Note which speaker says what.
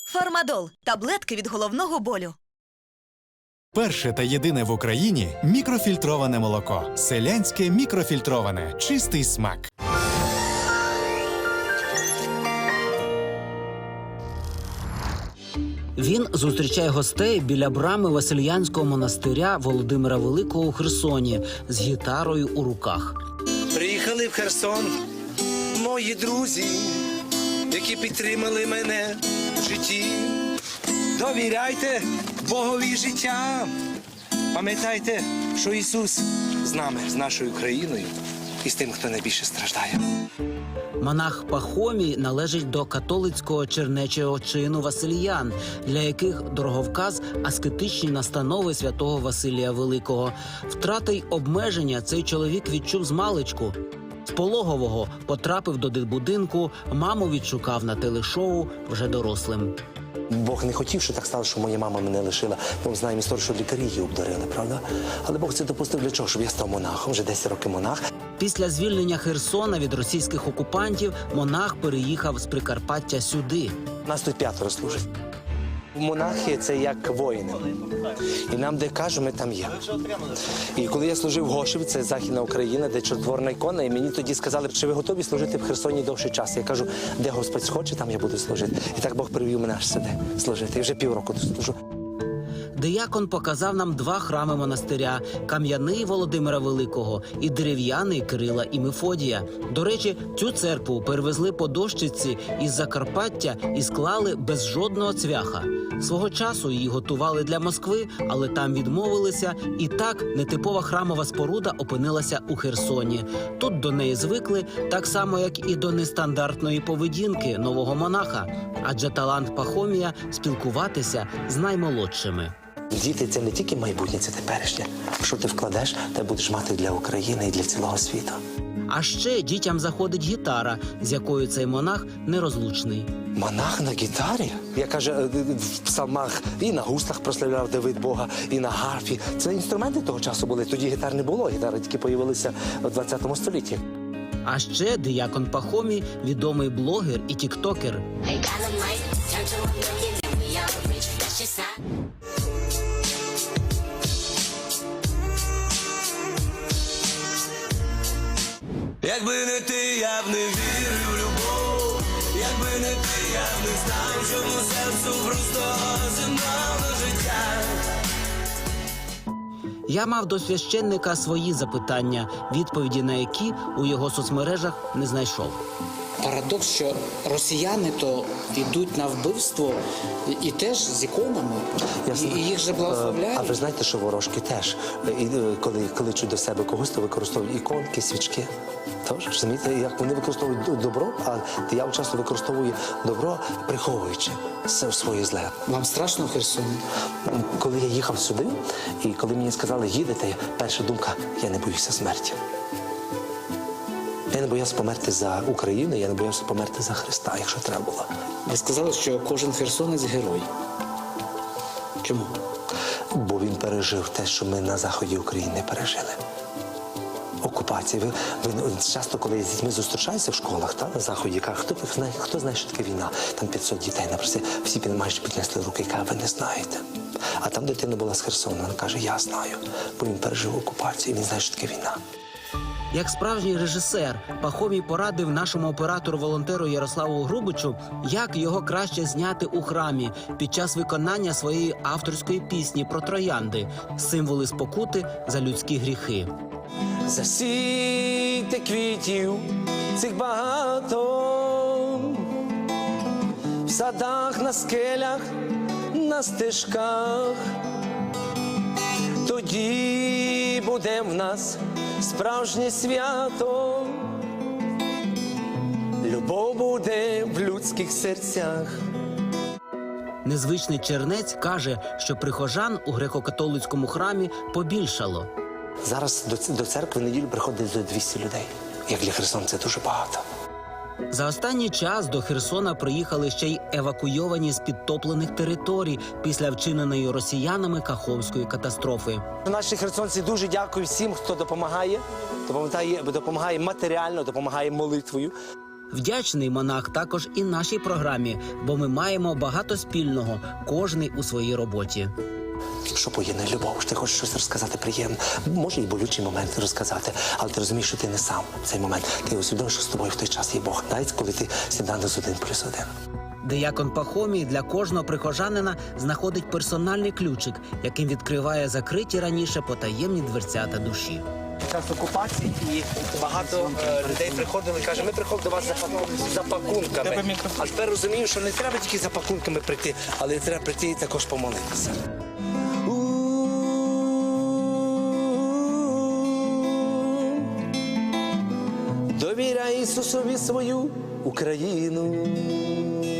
Speaker 1: Фармадол – таблетки від головного болю.
Speaker 2: Перше та єдине в Україні мікрофільтроване молоко. Селянське мікрофільтроване. Чистий смак.
Speaker 3: Він зустрічає гостей біля брами Васильянського монастиря Володимира Великого у Херсоні з гітарою у руках.
Speaker 4: Приїхали в Херсон мої друзі, які підтримали мене в житті. Довіряйте Богові життя. Пам'ятайте, що Ісус з нами, з нашою країною і з тим, хто найбільше страждає.
Speaker 3: Монах Пахомій належить до католицького чернечого чину Васильян, для яких дороговказ – аскетичні настанови святого Василія Великого. Втрати й обмеження цей чоловік відчув змалечку. З пологового потрапив до дитбудинку, маму відшукав на телешоу вже дорослим.
Speaker 4: Бог не хотів, що так стало, що моя мама мене лишила. Ми знаємо історію, що лікарі її обдарили, правда? Але Бог це допустив для чого? Щоб я став монахом, вже 10 років монах.
Speaker 3: Після звільнення Херсона від російських окупантів монах переїхав з Прикарпаття сюди.
Speaker 4: Нас тут 5 служить. Монахи – це як воїни. І нам, де кажуть, ми там є. І коли я служив в Гошеві, це Західна Україна, де чотворна ікона, і мені тоді сказали, чи ви готові служити в Херсоні довший час. Я кажу, де Господь схоче, там я буду служити. І так Бог привів мене аж сюди служити. І вже півроку тут служу.
Speaker 3: Диякон показав нам 2 храми монастиря – кам'яний Володимира Великого і дерев'яний Кирила і Мефодія. До речі, цю церкву перевезли по дощиці із Закарпаття і склали без жодного цвяха. Свого часу її готували для Москви, але там відмовилися, і так нетипова храмова споруда опинилася у Херсоні. Тут до неї звикли, так само, як і до нестандартної поведінки нового монаха. Адже талант Пахомія – спілкуватися з наймолодшими.
Speaker 4: Діти – це не тільки майбутнє, це теперішнє. Що ти вкладеш, те будеш мати для України і для цілого світу.
Speaker 3: А ще дітям заходить гітара, з якою цей монах нерозлучний.
Speaker 4: Монах на гітарі? Я, каже, в псалмах і на гуслах прославляв Давид Бога, і на гарфі. Це інструменти того часу були. Тоді гітар не було, гітари тільки з'явилися в 20 столітті.
Speaker 3: А ще диякон Пахомій – відомий блогер і тіктокер.
Speaker 5: Якби не ти, я б не вірив в любов. Якби не ти, я б не знав, чому серцю просто земного життя.
Speaker 3: Я мав до священника свої запитання, відповіді на які у його соцмережах не знайшов.
Speaker 6: Парадокс, що росіяни то йдуть на вбивство і теж з іконами, і їх же благословляють.
Speaker 4: А ви знаєте, що ворожки теж, коли кличуть до себе когось, то використовують іконки, свічки. Тож, розумієте, як вони використовують добро, а диявол часто використовує добро, приховуючи своє зле.
Speaker 6: Вам страшно в Херсоні?
Speaker 4: Коли я їхав сюди, і коли мені сказали, їдете, перша думка, я не боюся смерті. Я не боявся померти за Україну, я не боявся померти за Христа, якщо треба було.
Speaker 6: Ви сказали, що кожен херсонець – герой. Чому?
Speaker 4: Бо він пережив те, що ми на заході України не пережили. Окупація. Ви часто, коли з дітьми зустрічаються в школах, на заході, кажуть, хто знає, що таке війна? Там 500 дітей, напрості, всі майже піднесли руки і кажуть, ви не знаєте. А там дитина була з Херсона, вона каже, я знаю, бо він пережив окупацію, він знає, що таке війна.
Speaker 3: Як справжній режисер, Пахомій порадив нашому оператору-волонтеру Ярославу Грубичу, як його краще зняти у храмі під час виконання своєї авторської пісні про троянди – символи спокути за людські гріхи.
Speaker 4: Засійте квітів цих багато, в садах, на скелях, на стежках. Тоді буде в нас справжнє свято, любов буде в людських серцях.
Speaker 3: Незвичний чернець каже, що прихожан у греко-католицькому храмі побільшало.
Speaker 4: Зараз до церкви в неділю приходить до 200 людей. Як для Херсона це дуже багато.
Speaker 3: За останній час до Херсона приїхали ще й евакуйовані з підтоплених територій після вчиненої росіянами Каховської катастрофи.
Speaker 4: Наші херсонці дуже дякую всім, хто допомагає матеріально, допомагає молитвою.
Speaker 3: Вдячний монах також і нашій програмі, бо ми маємо багато спільного, кожний у своїй роботі.
Speaker 4: Що поєднує любов? Ти хочеш щось розказати приємне, може і болючий момент розказати, але ти розумієш, що ти не сам в цей момент. Ти усвідомиш, що з тобою в той час є Бог. Навіть коли ти сніданок з 1+1.
Speaker 3: Диякон Пахомій для кожного прихожанина знаходить персональний ключик, яким відкриває закриті раніше потаємні дверцята душі.
Speaker 7: Час окупації і багато людей приходили, каже, ми приходимо до вас за пакунками. А тепер розумію, що не треба тільки за пакунками прийти, але треба прийти і також помолитися. Довіряй Ісусові свою Україну.